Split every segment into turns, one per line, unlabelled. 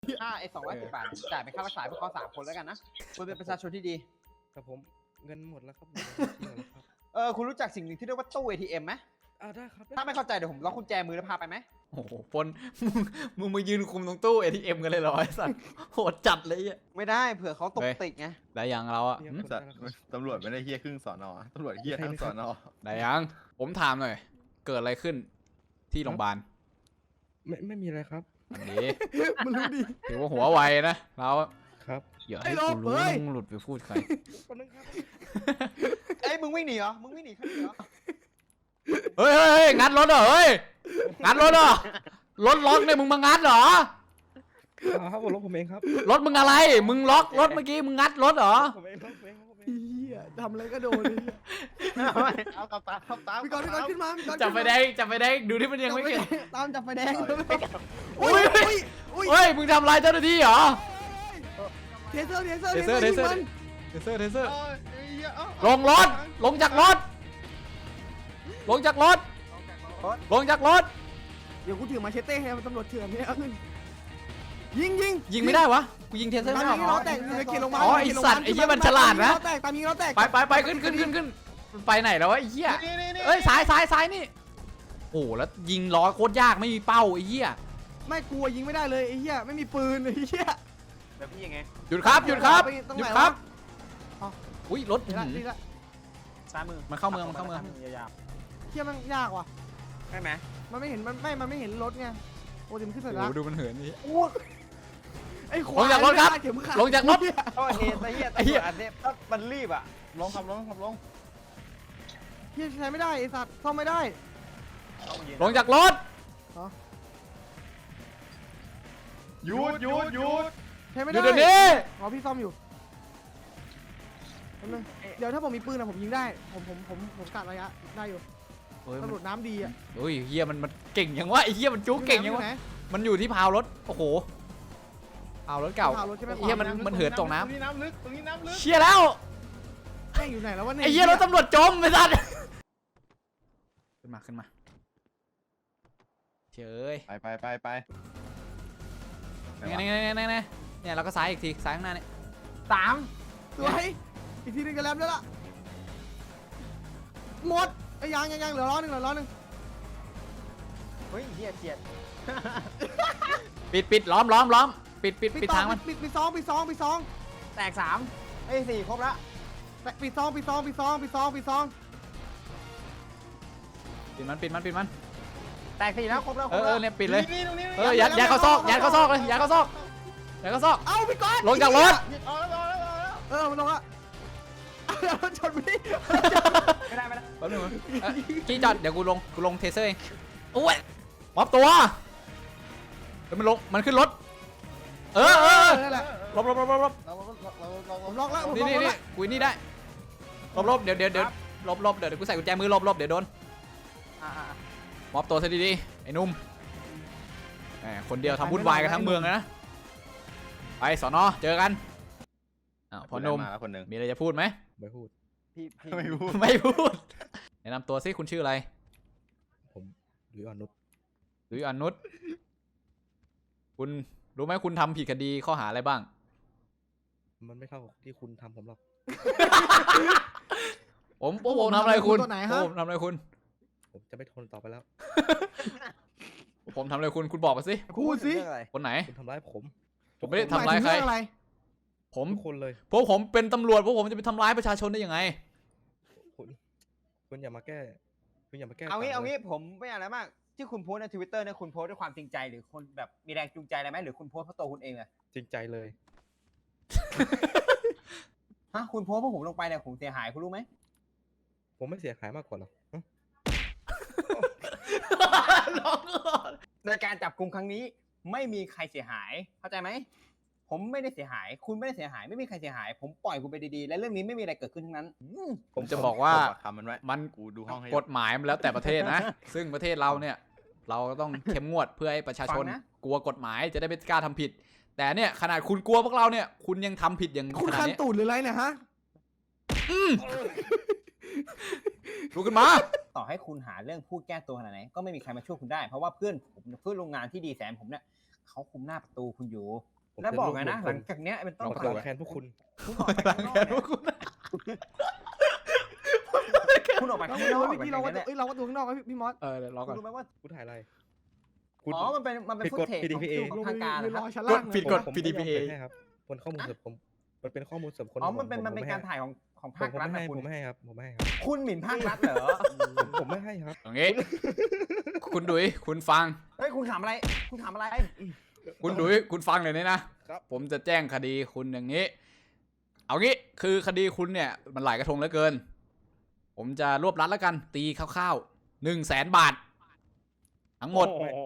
ไอ้210 บาทจ่ายเป็นค่ารักษาพวกเขา3 คนแล้วกันนะคุณเป็นประชาชนที่ดี
ครับผมเงินหมดแล้วครับหมดแล้วครับ
คุณรู้จักสิ่งหนึ่งที่เรียกว่าตู้ ATM ไหม
ได้ครับ
ถ้าไม่เข้าใจเดี๋ยวผมล็อกกุญแจมือแล้วพาไปไหม
โอ้โหปนมึงมายืนคุมตรงตู้ ATM กันเลยเหรอไอ้สัตว์โหดจัดเลยอ่ะ
ไม่ได้เผื่อเขาตกติกไง
ได้ยังเราอ่ะ
สัตว์ตำรวจไม่ได้เฮี้ยครึ่งสอนอตำรวจเฮี้ยทั้งสอนอ
ได้ยังผมถามหน่อย เกิดอะไรขึ้นที่โรงพยาบาล
ไม่มีอะไรครับ
อันนี้
มันรู้ดิ
ถือว่าหัวไวนะเรา
ครับ
อย่าให้กูรู้นะมึงหลุดไปพูดใคร
คนนึงครับ
มึงวิ่งหนีเหรอ มึงวิ่งหนีใครเหรอ
เฮ้ยงัดรถเหรอเฮ้ยงัดรถเหรอรถล็อกเนี่ยมึงมางัดเหรอ
ครับผมรถผมเองครับ
รถมึงอะไรมึงล็อกรถเมื่อกี้มึงงัดรถเหรอ
ผมเองครับผมเองครับผมเอง
เฮียทำอะไรก็โดนเลย
เอาขับตาม
พี่กอนขึ้นมาพี่กอน
จับไฟแดงดูที่มันยังไม่เกิด
ตามจับไฟแดง
อุ้ยเฮ้ยมึงทำลายเจ้าหน้าที่เหรอ
เทเซอร์
เทเซอร์เทเซอร์เทเซอร์เทเซอร์ ลงรถ ลงจากรถ ลงจากรถ ลงจากรถ
เดี๋ยวกูถือมาเชเต้ให้ตำรวจเถื่อนเนี่ยเอาหนึ่งยิง
ยิงไม่ได้วะ กูยิงเทเซอร์
ตาม
ไม่
ยิง
ได้
ล้อแตกอยู่ในเขตโรงพยาบาล
อ๋อไอสัตว์ไอเหี้ยมันฉลาดนะ
ตามยิงล้อแตก
ไปขึ้นมันไปไหนแล้ววะไอ้เหี้ยเอ้ยซ้ายนี่ โอ้แล้วยิงล้อโคตรยากไม่มีเป้าไอ้เหี้ย
ไม่กลัวยิงไม่ได้เลยไอ้เหี้ยไม่มีปืนไอ้เหี้ย
แบบพี่ยังไง
หยุดครับหยุดครับ
ตรง
หยุ
ไหน
ดครับ
วะ
อุ้ยรถ
ดีละดีละ
ซ้ายมือ
มันเข้าเมือง
ยาว
เหี้ยมันยากว่ะ
ๆใช่ไหม
มันไม่เห็นมันไม่เห็นรถไงโอ้ดิมันขึ้นสัญ
โอ้
ลักษ
โห
ณ์
ดูมันเหินนี่
ไอ้ข
ล
วาง
จากรถครับ
เข็มขัด
ลงจากรถ
โอ้ยไอ้เหี้ย
ไอ้เหี้ย
อันนี้ถ้ามันรีบอ่ะ
ลงขับลง
เหี้ยใช้ไม่ได้ไอ้สัตว์ซ่อมไม่ได้
ลงจากรถ
หยุด
ใช้ไม่
ห
ได้
ยุดเดี๋ยวนี้
อ๋อพี่ซ่อมอยู่แป๊บนึงเดี๋ยวถ้าผมมีปืนอะผมยิงได้ผมกัดระยะได้อยู่
เฮ้ย
ตำรวจน้ำดีอะ
โอ้ยเฮียมันเก่งยังวะไอ้เฮียมันจุ๊กเก่งยังวะ
ไหน
มันอยู่ที่พาวรถโอ้โหพาวรถเก่า
พาวรถใช่ไหม
ไอ้เฮียมันเหินตกน้
ตรงนี้น้ำลึก
ำเชี่ยแล้ว
แม่งอยู่ไหนแล้ววะเนี่ย
ไอ้เฮียรถตำรวจจมไอ้สัสขึ้นมาเฉย
ไป
เนี่ยเราก็ซ้ายอีกทีซ้ายข้างหน้าเนี่ย
สวยอีกทีหนึงจะแลมแล้วล่ะหมดไอ้ยังเหลือล้อหนึ่ง
เฮ้ยเหี้ยเจียด
ปิดล้อมปิดทางมัน
ปิดซอง
แตก34 ครบละ
ปิดซอง
ปิดมัน
แตก4แล้วครบแล้วครบ
เอ
แล้ว
อเนี่ยปิดเลย
ตรงนี้
ยัดเข้าซอกยัดเข้าซอกเลยยัดเข้าซอก
เอาพี่ก้อน
ลงจากรถ
มันลงอะรถชนพี่
ไม่ได้
แป๊บนึงกี้จอดเดี๋ยวกูลงเทเซอร์เองโอ้ยมอบตัวเดี๋ยวมันขึ้นรถเออ
นั่นแหละ
ลบ
ผมล็อกแล้ว
นี่กูนี่ได้ลบเดี๋ยวเดี๋ยวกูใส่กุญแจมือลบเดี๋ยวโดนมอบตัวซะดีๆไอ้นุ่มแหมคนเดียวทำวุ่นวายกันทั้งเมืองเลยนะไปสอนอเจอกันอ้าวพอนุ่ม
มาแล้วคนหนึ่ง
มีอะไรจะพูดไหม
ไม่พูด
พี่
ไม่พูด
ไม่พูดแนะนำตัวซิคุณชื่ออะไร
ผมหรืออนุช
หรืออนุชคุณรู้ไหมคุณทำผิดคดีข้อหาอะไรบ้าง
มันไม่เข้าที่คุณทำผมหรอก
ผมทำอะไรคุณ
ตัวไหนฮะ
ผมทำอะไรคุณ
ผมจะไม่ทนต่อไปแล้ว
ผมทำอะไรคุณบอกมาสิ
พูดสิ
คนไหน
คุณทำร้ายผม
ผมไม่ได้ทำร้ายใคร
อะไร
ผม
ทุกคนเลย
พวกผมเป็นตำรวจพวกผมจะไปทำร้ายประชาชนได้ยังไง
คุณอย่ามาแก้คุณอย่ามาแก้
เอางี้
ต่
เอางี้ผมไม่อะไรมากที่คุณโพสใน Twitter เนี่ยคุณโพสด้วยความจริงใจหรือคนแบบมีแรงจูงใจอะไรไหมหรือคุณโพสเพราะตัวคุณเองอะ
จริงใจเลย
คุณโพสเพราะผมลงไปเนี่ยผมเสียหายคุณรู้ไหม
ผมไม่เสียหายมากกว่าหรอก
โดยการจับกุมครั้งนี้ไม่มีใครเสียหายเข้าใจไหมผมไม่ได้เสียหายคุณไม่ได้เสียหายไม่มีใครเสียหาย ผมปล่อยคุณไปดีๆและเรื่องนี้ไม่มีอะไรเกิดขึ้นทั้งนั้น
ผมจะบอกว่า
คำมันไว้
มัน
กูดูห้องให้
กฎหมายมันแล้วแต่ประเทศนะ ซึ่งประเทศเราเนี่ย เราต้องเข้มงวดเพื่อให้ประชาชน กลัวกฎหมายจะได้ไม่กล้าทำผิด แต่เนี่ยขนาดคุณกลัวพวกเราเนี่ย คุณยังทำผิดอย่าง
คุณ
ขนาด
คัน
นี้
ตูดหรืออะไรเนี่ยฮะ
ลุกขึ้นมา
ต่อให้คุณหาเรื่องพูดแก้ตัวขนาดไหนก็ไม่มีใครมาช่วยคุณได้เพราะว่าเพื่อนผมเพื่อนโรงงานที่ดีแสนผมเนี่ยเขาคุมหน้าประตูคุณอยู่แล้วบอกไงนะหลังจากเนี้ยเป็นต้น
เรา
ไป
กลับแทนพวกคุณ
คุณออกไปข้างนอกคุณออกไปข้างน
เรา
อก
เมื่อกี้เราว่าเราว่าตัวข้างนอกครับพี่มอส
รอ
คุ
ก่อน
ณรู้ไหมว่า
คุณถ่ายอะไรคุณ
อ๋อมันเป็น
ผิด
ฟุ
ก
ต
ฎ
เทจ
PDPA
ของทางการ
ร
นะค
อ
รับ
ชั้นล่าง
ผิดกฎ
ผม
PDPA
ไม่ให้ครับคนข้อมูลเสริมผมมันเป็นข้อมูลเสริมคน
อ๋อมันเป็นการถ่ายของ
ผ
ภาค
ม
รัฐ
ไม่
นะ
ให้
คุณ
ผมไม่ให้ครับผมไม่ให้ครับ
คุณหมิ่นภาครัฐเหรอ
ผมไม่ให้ครับ
อย่างงี้ คุณดุยคุณฟัง
เฮ้ยคุณถามอะไรคุณถามอะไร
คุณดุยคุณฟังเลยนี่นะครับ ผมจะแจ้งคดีคุณอย่างนี้ เอางี้คือคดีคุณเนี่ยมันหลายกระทงเหลือเกิน ผมจะรวบรัดแล้วกันตีคร่าวๆ100,000 บาท ทั้งหมด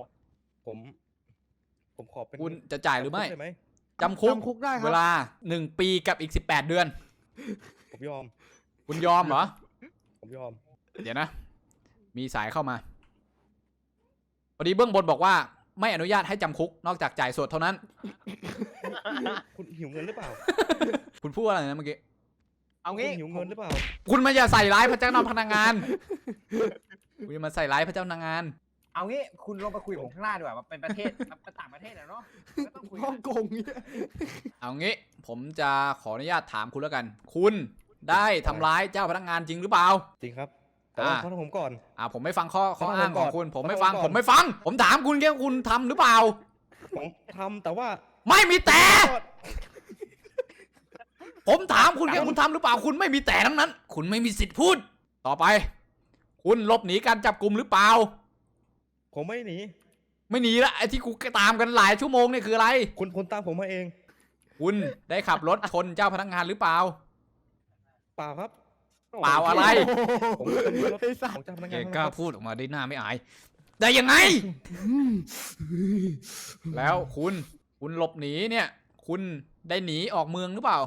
ผมขอเป็น
คุณจะจ่ายหรือไม่
ด้ไหม
จำคุก
จำคุกได้ค
เว
รับ
ลา1 ปีกับอีก18 เดือน
ผมยอม
คุณยอมเหรอ
ผมยอม
เดี๋ยวนะ มีสายเข้ามา พอดีเบื้องบนบอกว่าไม่อนุญาตให้จำคุกนอกจากจ่ายสดเท่านั้น
คุณหิวเงินหรือเปล่า
คุณพูดอะไรนะเมื่อกี้
เอา
คุณ
งี้
หิวเงินหรือเปล่า
คุณมาอย่าใส่ร้ายพระเจ้าพนักงาน คุณอย่ามาใส่ร้ายพระเจ้าพนักงาน
เอางี้คุณลงไปคุยกับผมข้างหน้าดีกว่ามันเป็นประเทศมันเป็นต่างประเทศอะเนาะก็ต้องคุย
ฮ่
กั
อน งกงเนี่ย
เอางี้ผมจะขออนุญาตถามคุณแล้วกัน คุณได้ทำร้ายเจ้าพนักงานจริงหรือเปล่า
จริงครับ แต่ว่า
อ่า
เขาทำผมก่อน
ผมไม่ฟังข้อ
เขา
อ้าง
ทำ
ของคุณ
ก่อน
ผมไม่
เขา
ฟัง
ทำก่อน
ผมไม่ฟัง ผมถามคุณแค่คุณทำหรือเปล่า
ผมทำแต่ว่า
ไม่มีแต่ ผมถามคุณแค่คุณทำหรือเปล่า คุณไม่มีแต่ทั้งนั้น คุณไม่มีสิทธิ์พูด ต่อไป คุณหลบหนีการจับกลุ่มหรือเปล่า
ผมไม่หนี
ไม่หนีละไอ้ที่กูตามกันหลายชั่วโมงเนี่ยคืออะไร
คุณตามผมมาเอง
คุณได้ขับรถชนเจ้าพนักงานหรือเปล่า
เปล่าครับ
เปล่าอะไร
ผมเป็นรถของเจ้าพนัก
แก
งาน
กล้าพูดออกมาได้หน้าไม่อาย ได้ยังไง แล้วคุณหลบหนีเนี่ย คุณได้หนีออกเมืองหรือเปล่า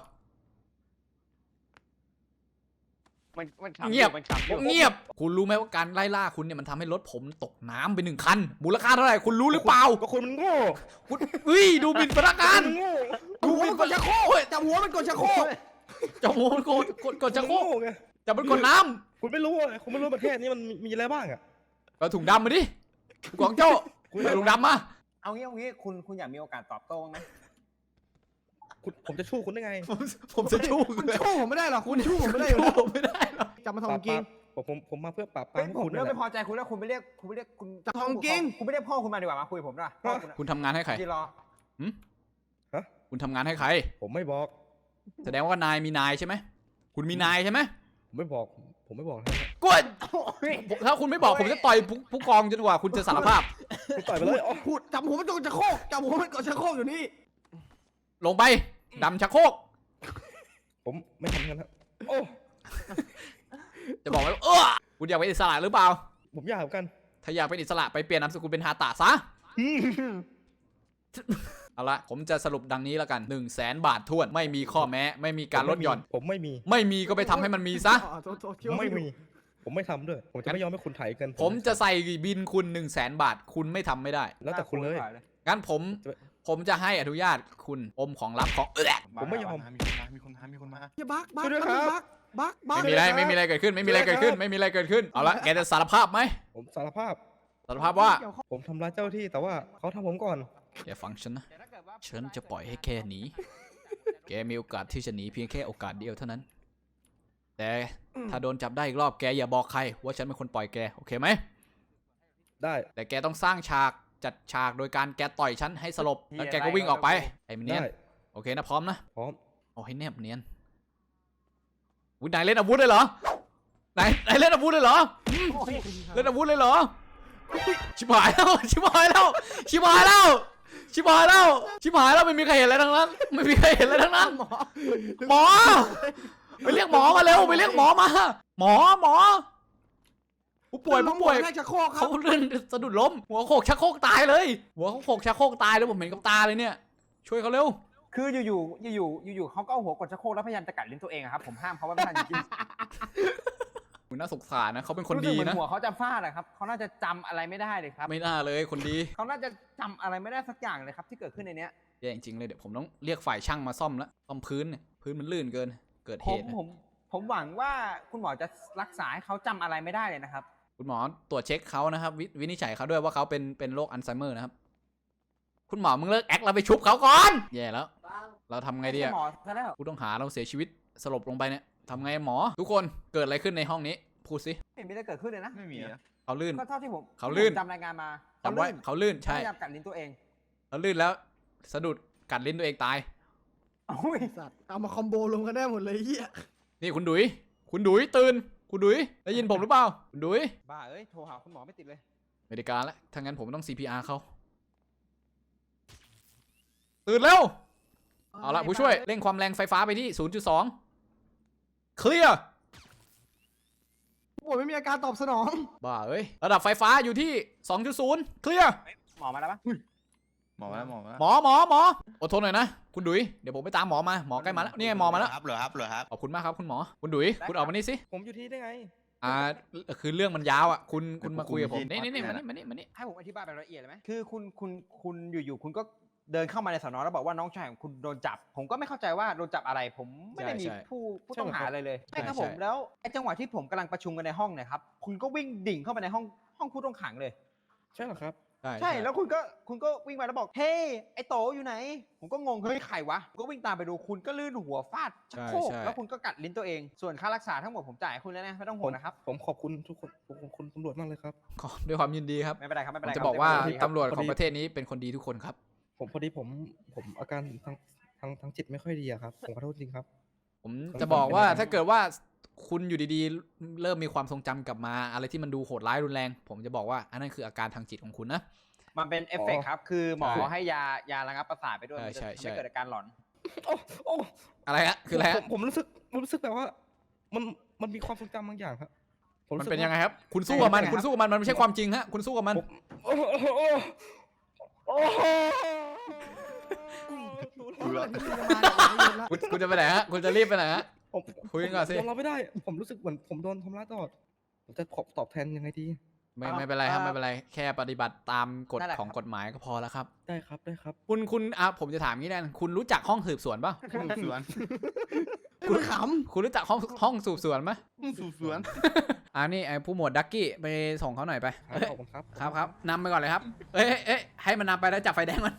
มันขำ
เงียบ
มันขำอยู่
เงียบ คุณรู้ไหมว่าการไล่ล่าคุณเนี่ยมันทำให้รถผมตกน้ำไป1 คัน มูลค่าเท่าไหร่คุณรู้หรือเปล่า
ก็คุณมันโง่
คุณดูหมิ่นพนักงาน
คุณโง่
จับหัวมันกดชักโครกจับหัวมันกดชักโครก
จะโมนกดจะโคก
คุณโง่ไง
จะมันกดน้
คุณไม่รู้อ่ะคุณไม่รู้ประเทศนี้มันมีอะไรบ้างอ่ะ
ำเอาถุงดำมาดิกวางโจ้เอาถุงดำมา
เอางี้คุณอยากมีโอกาสตอบโต้บ้างไหม
ผมจะชู้คุณได้ไง
ผมจะชู้
คุณชู้ผมไม่ได้หรอกคุณชู้ผมไม่ได้อยู่แล้ว
ผมไม่ได้หรอก
จับมาทองกิง
ผมมาเพื่อปราบปรา
เฮ้
ม
ย
พวก
ผม
คุณ
เริ่
นั่
ม
นแหละ
ไม่พอใจคุณแล้วคุณไปเรียกคุณ
จะทองกิ้ง
คุณไปเรียกพ่อคุณมาดีกว่ามาคุยกับผมด้วยพ่อคุณอะ
คุณทำงานให้ใคร
ที่รอ
คุณทำงานให้ใคร
ผมไม่บอก
แสดงว่านายมีนายใช่ไหม คุณมีนายใช่ไหม
ผมไม่บอกนะ
กดถ้าคุณไม่บอกผมจะต่อยผู้กองจนกว่าคุณจะสารภาพ
คุณต่อยไปเลยอ๋อ
พูดจับหัวมันกดชักโครกจับหัวมันกดชักโครกอยู่นี่
ลงไปดำชักโครก
ผมไม่ทำงั้นครับโอ้
จะบอกไว้ว่าคุณอยากเป็นอิสระหรือเปล่า
ผมอยากเหมือนกัน
ถ้าอยากเป็นอิสระไปเปลี่ยนนามสกุลเป็นฮาตะซะ เอาละผมจะสรุปดังนี้แล้วกัน100,000 บาททวนไม่มีข้อแม้ไม่มีการลดหย่อน
ผมไม่มี
ไม่มีก็ไปทำให้มันมีซะ
ไม่มี ผมไม่ทำด้วย ผมจะไม่ยอมให้คุณไถเกิน
ผมจะใส่บินคุณ100,000 บาท คุณไม่ทำไม่ได้
แล้วแต่คุณเลย
งั้นผมจะให้อนุญาตคุณอมของลับของ
ผมไม่ยอม
มีคนมา
อย่าบักบัก
ช่วยด้วยครับ
บัก
ไม่มีอะไรเกิดขึ้นไม่มีอะไรเกิดขึ้นไม่มีอะไรเกิดขึ้นเอาละแกจะสารภาพไหม
ผมสารภาพ
สารภาพว่า
ผมทำร้ายเจ้าหน้าที่แต่ว่าเขาทำผมก่อน
แกฟังฉันนะฉันจะปล่อยให้แค่หนีแกมีโอกาสที่จะหนีเพียงแค่โอกาสเดียวเท่านั้น แต่ถ้าโดนจับได้อีกรอบแกอย่าบอกใครว่าฉันเป็นคนปล่อยแกโอเคไหม
ได้
แต่แกต้องสร้างฉากจัดฉากโดยการแกต่อยฉันให้สลบแล้วแกก็วิ่งออกไปไอ้เนียน
ได้
โอเคนะพร้อมนะ
พร้อม
เอาให้แนบเนียนนายเล่นอาวุธเลยเหรอนายเล่นอาวุธเลยเหรอเล่นอาวุธเลยเหรอชิบหายแล้วชิบหายแล้วชิบหายแล้วชิบหายแล้วชิบหายแล้วไม่มีใครเห็นอะไรทั้งนั้นไม่มีใครเห็นอะไรทั้งนั้นหมอไปเรียกหมอมาเร็วไปเรียกหมอมาหมอผู้ป่วย
ให้ชักโครกครั
เขา
บ
เลื่อนสะดุดล้มหัวโขกชักโครกตายเลยหัวเขาโขกชักโครกตายเลยผมเห็นกับตาเลยเนี่ยช่วยเขาเร็ว
คืออยู่เขาก็เอาหัวกดชักโครกแล้วพยายามจะกัดลิ้นตัวเองอะครับผมห้ามเขาไว้ไม่ทันจริง
คุณน่าสงสารนะเขาเป็น
ๆ
คน
รู้สึก
ดี
เหมือน
นะ
หัวเขาจะฟาดอะครับเขาน่าจะจำอะไรไม่ได้เลยครับ
ไม่น่าเลยคนดี
เขาน่าจะจำอะไรไม่ได้สักอย่างเลยครับที่เกิดขึ้นในเนี้ย
แย่จริงๆเลยเดี๋ยวผมต้องเรียกฝ่ายช่างมาซ่อมแล้วซ่อมพื้นเนี่ยพื้นมันลื่นเกินเกิด
ผ
เห
ม
ตุนะ
ผมหวังว่าคุณหมอจะรักษาให้เขาจำอะไรไม่ได้เลยนะครับ
คุณหมอตรวจเช็คเขานะครับวินิจฉัยเขาด้วยว่าเขาเป็นโรคอัลไซเมอร์นะครับคุณหมอมึงเลิกแอคเราไปชุบเขาก่อนแย่แล้วเราทำไงดีอะ
หมอซะแล้ว
ผู้ต้องหาเราเสียชีวิตสลบลงไปเนี่ยทำไงหมอทุกคนเกิดอะไรขึ้นในห้องนี้พูดสิ
ไม่มีอะไรเกิดขึ้นเลยนะ
ไม่มีนะ
เขาลื่น
ก็เท่าที่ผม
เขาลื่น
จำรายงานมา
จำไว้เขาลื่นใช่
พยายามกัดลิ้นตัวเอง
เขาลื่นแล้วสะดุดกัดลิ้นตัวเองตาย
โอ้ย
สัตว์เอามาคอมโบรวมกันได้หมดเลยเฮีย
นี่คุณดุยตื่นคุณดุยได้ยินผมหรือเปล่าคุณดุย
บ้าเอ้ยโทรหาคุณหมอไม่ติดเลย
ไม่ได้การแล้วถ้างั้นผมต้อง CPR เขาตื่นเร็วเอาละผู้ช่วยเร่งความแรงไฟฟ้าไปที่ 0.2 เคลียร์
โอ้ยไม่มีอาการตอบสนอง
บ้าเอ้ยระดับไฟฟ้าอยู่ที่ 2.0 เคลียร์
หมอมาแล้วปะ
หมอมาแล้วหมอมาแล้ว
หมออดทนหน่อยนะคุณดุยเดี๋ยวผมไปตามหมอมาหมอใกล้มาแล้วนี่ไงหมอมาแล้ว
ครับเหรอครับ
ขอบคุณมากครับคุณหมอคุณดุยคุณออกมานี่สิ
ผมอยู่ที่ได้ไง
คือเรื่องมันยาวอ่ะคุณมาคุยกับผมนี่มานี่
ให้ผมอธิบายแบบละเอียดเลยไหมคือคุณอยู่ๆคุณก็เดินเข้ามาในสอนอแล้วบอกว่าน้องชายของคุณโดนจับ ผมก็ไม่เข้าใจว่าโดนจับอะไร ผมไม่ได้มีผู้ต้องหาอะไรเลยใช่ครับผมแล้วไอ้จังหวะที่ผมกำลังประชุมกันในห้องเนี่ยครับคุณก็วิ่งดิ่งเข้าไปในห้องผู้ต้องขังเลย
ใช่เหรอครับ
ใช่แล้วคุณก็วิ่งมาแล้วบอกเฮ้ยไอ้โตอยู่ไหนผมก็งงเฮ้ยใครวะผมก็วิ่งตามไปดูคุณก็ลื่นหัวฟาดชักโครกแล้วคุณก็กัดลิ้นตัวเองส่วนค่ารักษาทั้งหมดผมจ่ายให้คุณแล้วนะไม่ต้องห่วงนะครับ
ผมขอบคุณทุกคนขอบคุณตำรวจมากเลยครับ
ขอด้วยความยินดีครับ
ไม่เป็นไรครับไม่
ผ
เป็นไร
มจะบอกว่า
ครับ
ตำรวจของประเทศนี้เป็นคนดีทุกคนครับ
พอดีผมอาการทางจิตไม่ค่อยดีอะครับผมขอโทษจริงครับ
ผมจะบอกว่าถ้าเกิดว่าคุณอยู่ดีๆ เริ่มมีความทรงจำกลับมาอะไรที่มันดูโหดร้ายรุนแรง ผมจะบอกว่าอันนั้นคืออาการทางจิตของคุณนะ
มันเป็นเอฟเฟกต์ครับคือหมอ
ใช่
ให้ยาระงับประสาทไปด้วย
ใช่
มันจะ
ใช่
ทำให้เกิดอาการหลอน
โอ้
อะไรฮะคืออะไรฮะ
ผมรู้สึกแบบว่ามันมีความทรงจำบางอย่างครับผ
มัน
รู้สึก
เป็นยังไง
ว่า
ครับ คุณสู้กับมันมันไม่ใช่ความจริงฮะคุณสู้กับมัน
โอ้โหโอ้โห
คุณจะไปไหนฮะคุณจะรีบไปไหนฮะ
ผม
คุยกันก่อนสิ
ยอมรับไม่ได้ ผมรู้สึกเหมือนผมโดนทำร้ายตลอดผมจะตอบแทนยังไงดี
ไม่เป็นไรครับไม่เป็นไรแค่ปฏิบัติตามกฎของกฎหมายก็พอแล้วครับ
ได้ครับได้ครับ
คุณผมจะถามงี้นะคุณรู้จักห้องสืบสวนป่ะ
สวน
คุณข
คุณรู้จักห้องสืบสวนไหม
สู่สวน
นี่ไอ้ผู้หมวดดักกี้ไปส่งเขาหน่อยไป
ขอบคุณครับ
ครับนำไปก่อนเลยครับเอ้ยให้มันนำไปแล้วจับไฟแดงมัน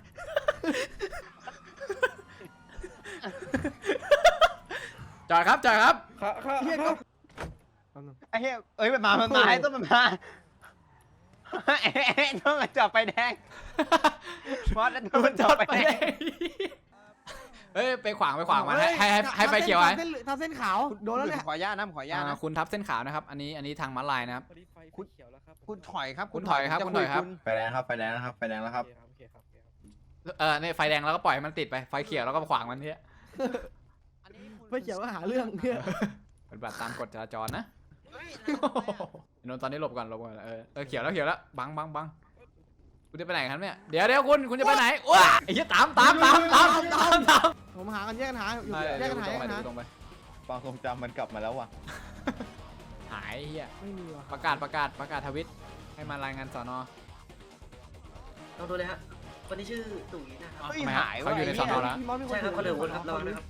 จอดครับ
ครับ
ำเฮียก็
ไอ้เฮ้ยเอ้ยมันมาไอ้ต้นมันมาไอ้ต้นมันจอดไฟแดงมอสแล้วต้นมันจอดไฟแดง
เฮ้ยไปขวางมันให้ไฟเขียวไว้
ทำเส้นขาวโดนแล้วเนี่ย
ขออนุญาตนะขออนุญาตนะ
คุณทับเส้นขาวนะครับอันนี้ทางม้าลายนะครับ
พอดีไฟเขียวแล้วครับ
คุณถอยครับ
คุณถอยครับ
จะ
คุณถอยครับ
ไฟแดงครับไฟแดงนะครับไฟแดงแล้วครับ
โอเคครับ
เนี่ยไฟแดงแล้วก็ปล่อยให้มันติดไปไฟเขียวแล้วก็ขวางมันเนี่ย
ไม่เกี่ยวก็หาเรื่องเนี่ย
ปฏิบัติตามกฎจราจรนะนนท์ตอนนี้หลบก่อนเขียวแล้วบังคุณจะไปไหนครับเนี่ยเดี๋ยวคุณจะไปไหนว้าไอ้เหี้ยตาม
ผมหากันแยกกันหาอยู่แยกกันหาแยกกันหา
ตรงไป
ความทรงจำมันกลับมาแล้วว่ะ
หายเหี้ย
ไม่มีว่ะ
ประกาศทวิตให้มารายงานสอนอ
ลองดูเลยฮะคนที่ชื่อตุ๋ยนะครับ
เฮ้ย
ทำไมฮะ
หาย
เขาอยู่ในสอนอแล้ว
พี่มอสมีคน
ใช่ครับเขาเดินวนครับระวังนะครับ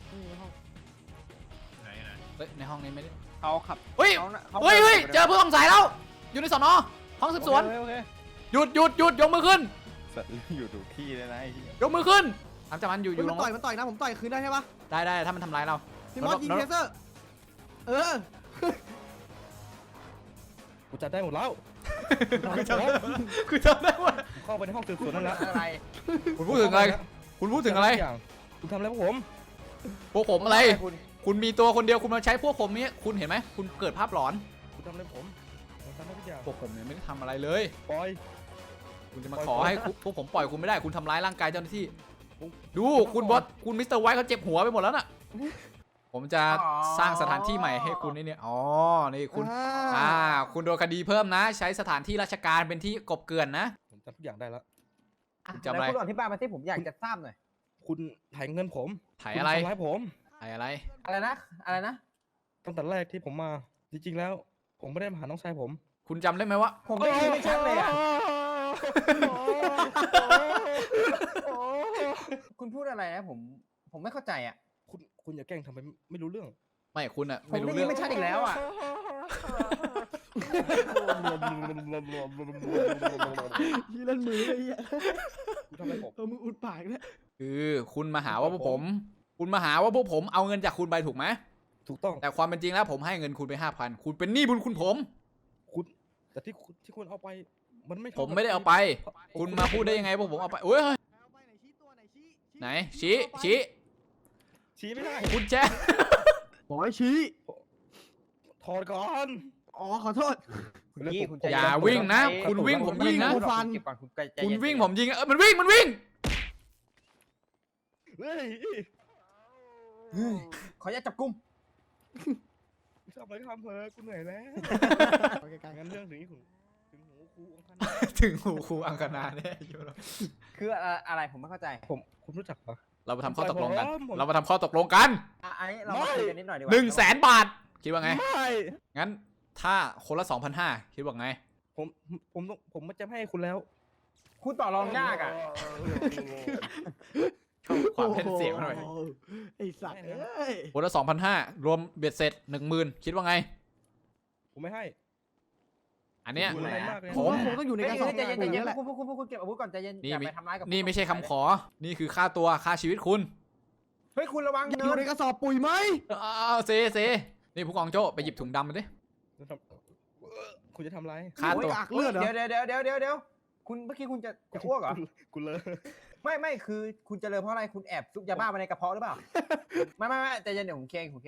ในห้องนี้ไม่ได้
เขาขับ
เฮ้ย
เขา
เฮ้ยเจอผู้ต้องสงสัยแล้วอยู่ในสอนอห้องสืบสวน
โอเค
หยุดยกมือขึ้น
สัตว์อยู่ถูกที่เลยนะไอ้เหี้ย
ยกมือขึ้นทำจากมันอยู่
มัน
ลง
ต่อยนะผมต่อยคืนได้ใช่ปะ
ได้ถ้ามันทำร้ายเรา
พี่มอสยิงเทเซอร์
กูจัดได้หมดแล้ว
คุณจำได้ว่า
เข้าไปในห้องสืบสวนนั่นแหละ
อะไร
คุณพูดถึงอะไรคุณพูดถึงอะไร
คุณทำอะไรพวกผม
พวกผมอะไร
คุณ
คุณมีตัวคนเดียวคุณมาใช้พวกผมนี้คุณเห็นไหมคุณเกิดภาพหลอน
คุณทำอะไรผมทำได้ทุกอย่าง
พวกผมเนี่ยไม่ได้ทำอะไรเลย
ปล่อย
คุณจะมาขอให้พวกผมปล่อยคุณไม่ได้คุณทำร้ายร่างกายเจ้าหน้าที่ดูคุณบอสคุณมิสเตอร์ไวท์เขาเจ็บหัวไปหมดแล้วน่ะผมจะสร้างสถานที่ใหม่ให้คุณนี่เนี่ยอ๋อนี่คุณคุณโดนคดีเพิ่มนะ ใช้สถานที่ราชการเป็นที่กบเกลื่อนนะ
ผมจำทุกอย่างได้แล้ว
จำอะไร
แล้วคุณอธิบายมาที่ผมอยากจะทราบหน่อย
คุณถ่ายเงินผม
ถ่ายอะไร
คุณทำร้ายผม
ถ่ายอะไร
อะไรนะ
ตั้งแต่แรกที่ผมมาจริงๆแล้ว ผมไม่ได้มาหาน้องชายผม
คุณจำได้ไหมว่า
ผมไม่คิดไม่ชัดเลยอ่ะคุณพูดอะไรนะผมไม่เข้าใจอ่ะ
คุณอย่าแกล้งทำไปไม่รู้เรื่อง
ไม่คุณอะ
ผม
ไม่รู้
ได้ยิ
เรื่
น
อง
ไม่ชัดอีกแล้วอ่ะ
ยี่เล่นมือเลยอ่ะ
คุณทำอะไรผม
มืออุดปากเนี่ย
คือคุณมาหาว่าพวกผม คุณมาหาว่าพวกผมเอาเงินจากคุณไปถูกไหม
ถูกต้อง
แต่ความเป็นจริงแล้วผมให้เงินคุณไป 5,000 คุณเป็นหนี้บุญคุณผม
คุณแต่ที่คุณเอาไปมันไม่
ผมไม่ได้เอาไป คุณมาพูดได้ยังไงพวกผมเอาไปโอ้ย
เอาไปไหนชี้ตัวไหนชี้
ไหนชี้ชี้
ชี้ไม่ได้
คุณแจ๊
บอกให้ชี้
ถอดก่อน
อ๋อขอโทษ
คุณยี่คุณใจ
อย่าวิ่งนะ คุณวิ่งผมยิงนะ
คุณฟันเก็บก่อนคุณใจเย็น
คุณวิ่งผมยิงมันวิ่ง
เฮ้ย
ขออนุญาตจับกุม
ทำอะไรก็ทำเถอะกูเหนื่อยแล้ว
ไปไกลๆ
งั้นเรื่องถึงหูครูองค์ท่าน
ถึงหูครูอังคณาเนี่ย
คืออะไรผมไม่เข้าใจ
คุณรู้จักปะ
เรามาทำข้อตกลงกัน
ผม
เรามาทำข้อตกลงกัน
ไอ้เรามาคุยกันนิดหน่อยดีกว่า
100,000 บาท คิดว่าไง
ไม่
งั้นถ้าคนละ 2,500 คิดว่าไง
ผมไม่จะให้คุณแล้ว
คุณต่อรองยากอ่ะ
ความเพ้นเสียงมาหน่อย
โไอ้สัตว์เอ้ย
คนละ 2,500 รวมเบ็ดเสร็จ 10,000 คิดว่าไง
ผมไม่ให้
อันเนี้ย
คุณอะไรมากเลย
ผมว่าคงต้องอยู่ใน
ใจ
การ
เย็
สอบ
นใจเย็นใจ
ปุ๋ย
เย็
แล้
น
วแหละ
คุณเก็บอาวุธก่อนใจเย็นอย่าไปทำร้ายกับ
นี่ไม่ใช่คำขอ นี่คือค่าตัวค่าชีวิตคุณ
เฮ้ยคุณระวัง
อ
เนิ
ยู่
น
ในกระสอบปุ๋ยไหม
เอาเซนี่ผู้กองโจ้ไปหยิบถุงดำมาดิ
คุณจะทำอะไร
ค่าตัว
โอ้ยอักเลือดเหรอ
เดี๋ยวคุณเมื่อกี้คุณจะอ้วกเหรอ
คุณเลย
ไม่คือคุณจะเลยเพราะอะไรคุณแอบซุกยาบ้ามาในกระเพาะหรือเปล่า ไม่ใจเย็นเดี๋ยวผมเคง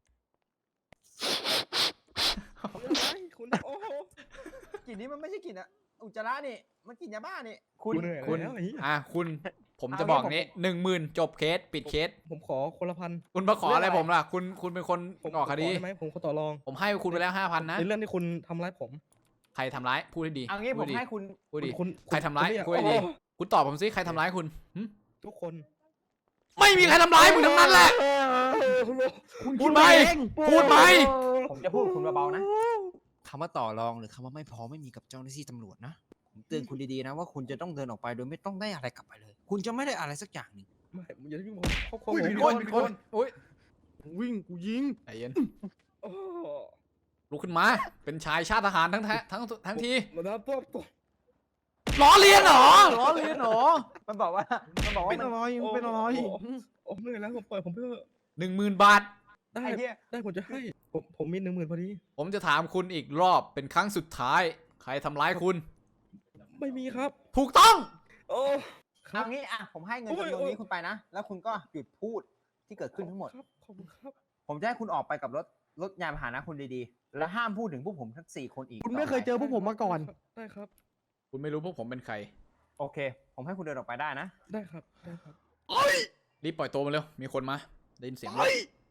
คุณโอ้โห
กลิ่นนี้มันไม่ใช่กลิ่นอะอุจจาระนี่มันกลิ่นยาบ้านี่คุณ
เหนื่อย
คุณ
แล้วไอ้เหี้ย
คุณผมจะบอกนี้10,000 จบเคสปิดเคส
ผมขอคนละพัน
คุณมาขออะไรผมล่ะ คุณเป็นคน
ผม
ก่อคดี
ขได้ไหมผมขอต่อรอง
ผมให้คุณไปแล้ว 5,000 นะ
ในเรื่องที่คุณทำร้ายผม
ใครทำร้ายพูดให้ดี
เอางี้ผ
พู
ม
ดดี
ให้คุณ
พูดดี
คุณ
ใครทำร้าย
คุณ
พูดให้ดี
โอ้โห
คุณตอบผมสิใครทำร้ายคุณหึ
ทุกคน
ไม่มีใครทำร้ายมึงทั้งนั้นแหละ พูดไหมพูดไหม
ผมจะพูดกับคุณเบาๆนะคำว่าต่อรองหรือคำว่าไม่พอไม่มีกับเจ้าหน้าที่ตำรวจนะผมเตือนคุณดีๆนะว่าคุณจะต้องเดินออกไปโดยไม่ต้องได้อะไรกลับไปเลย คุณจะไม่ได้อะไรสักอย่างหนึ่ง
ไม่อย่ายุ่งผมครอบครัว
อุ้ย
ผม
โอ้ยโอ้ย
วิ่งกูยิง
ใจเย็น
โอ้
ลุกขึ้นมา เป็นชายชาติทหารทั้งที
มาแล้วป๊อบตัว
ล้อเลียนเหรอ
มันบอกว่า
เป็นอะไรเป็นอะไร
โอ้เหนื่อยแล้วผมปล่อยผมเพื่อ
10,000 บาท
ได้
ไอ้เหี้ย
ได้ผมจะให้ผมมี10,000พอดี
ผมจะถามคุณอีกรอบเป็นครั้งสุดท้าย ใครทำร้ายคุณ
ไม่มีครับ
ถูกต้อง
โอ้ครั
เอา
บ
งี้อ่ะผมให้เงิน
โอ้ย
จำนวนนี้คุณไปนะ แล้วคุณก็หยุดพูดที่เกิดขึ้นทั้งหมด
ครับขอบคุณครับ
ผมจะให้คุณออกไปกับรถยานพาหนะคุณดีๆ และห้ามพูดถึงพวกผมทั้ง4 คนอีก
คุณไม่เคยเจอพวกผมมาก่อน
ได้ครับ
คุณไม่รู้พวกผมเป็นใคร
โอเค ผมให้คุณเดินออกไปได้นะ
ได้ครับได้ครับ
รีบปล่อยตัวมาเร็ว มีคนมา ได้ยินเสียงรถ